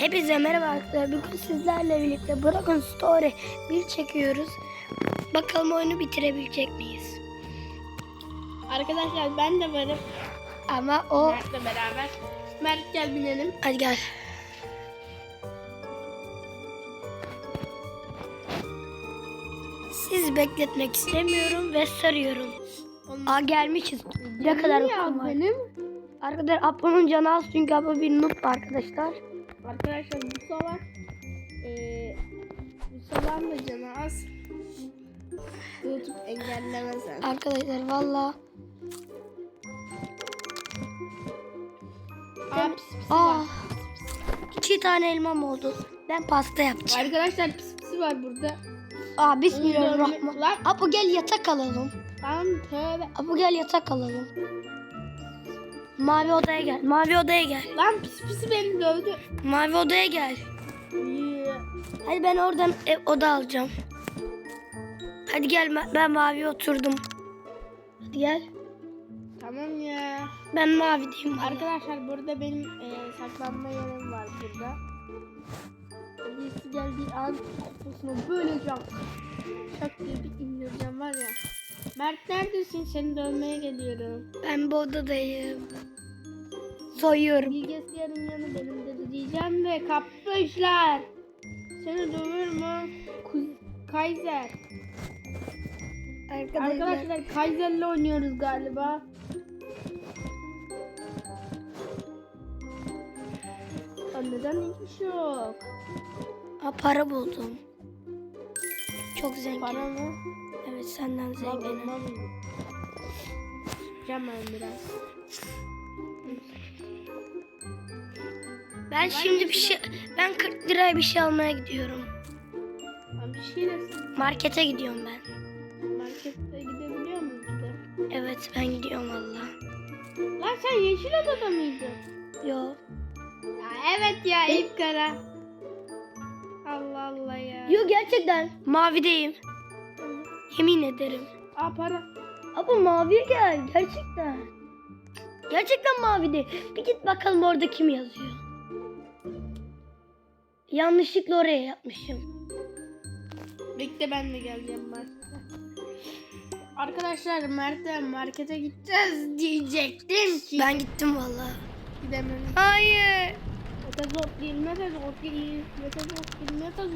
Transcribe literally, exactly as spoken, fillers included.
Hepinize merhaba arkadaşlar. Bugün sizlerle birlikte Broken Story bir çekiyoruz. Bakalım oyunu bitirebilecek miyiz? Arkadaşlar ben de varım. Ama o... Mert'le beraber. Mert gel binelim. Hadi gel. Siz bekletmek istemiyorum ve sarıyorum. Aa gelmişiz. Ne kadar ya var. benim. Arkadaşlar Apo'nun canı az çünkü Apo bir noob arkadaşlar. Arkadaşlar bu salak. Ee, bu salağın da canı az. YouTube engellemez yani. Arkadaşlar valla. Aa, pis pisi Aa, var. iki tane elmam oldu. Ben pasta yapacağım. Arkadaşlar pis pisi var burada. Aa bismillahirrahmanirrahim. Lan, Apo gel yatak alalım. lan tövbe. Apo gel yatak alalım. Mavi odaya gel. Mavi odaya gel. Lan pis pisi beni dövdü. Mavi odaya gel. Yeah. Hadi ben oradan ev, oda alacağım. Hadi gel ma- ben mavi oturdum. Hadi gel. Tamam ya. Ben mavideyim. valla. Arkadaşlar burada benim e, saklanma yerim var burada. Birisi geldiği an kafasına böyle cam şak diye bir indireceğim var ya. Mert neredesin? Seni dövmeye geliyorum. Ben bu odadayım. Soyuyorum. Bilgisayarın yanı benim de diyeceğim de kapmışlar. Seni döver mü? Kuz- Kaiser. Arkadaşlar. Arkadaşlar Kaiser'le oynuyoruz galiba. Aa, neden hiç yok? Aa, para buldum. Çok zengin. Para mı? Evet senden zenginim. Tamam. Yapacağım ben biraz. Ben şimdi bir şey ben kırk liraya bir şey almaya gidiyorum. Ben bir şeyler Markete gidiyorum ben. markette gidebiliyor muyum bir de? Evet ben gidiyorum valla. Lan sen yeşil odada mıydın? Yo. Ya evet ya Eyüp Kara. Allah Allah ya. Yo gerçekten. Mavideyim. Yemin ederim. Aa para. Abi maviye gel gerçekten. Gerçekten mavide. Bir git bakalım orada kim yazıyor. Yanlışlıkla oraya yapmışım. Bekle ben de geleceğim markete. Arkadaşlar Mert'e markete gideceğiz diyecektim ki. Ben gittim valla. Gidemedim. Hayır. Mete zor değil, mete zor değil, mete zor değil, mete zor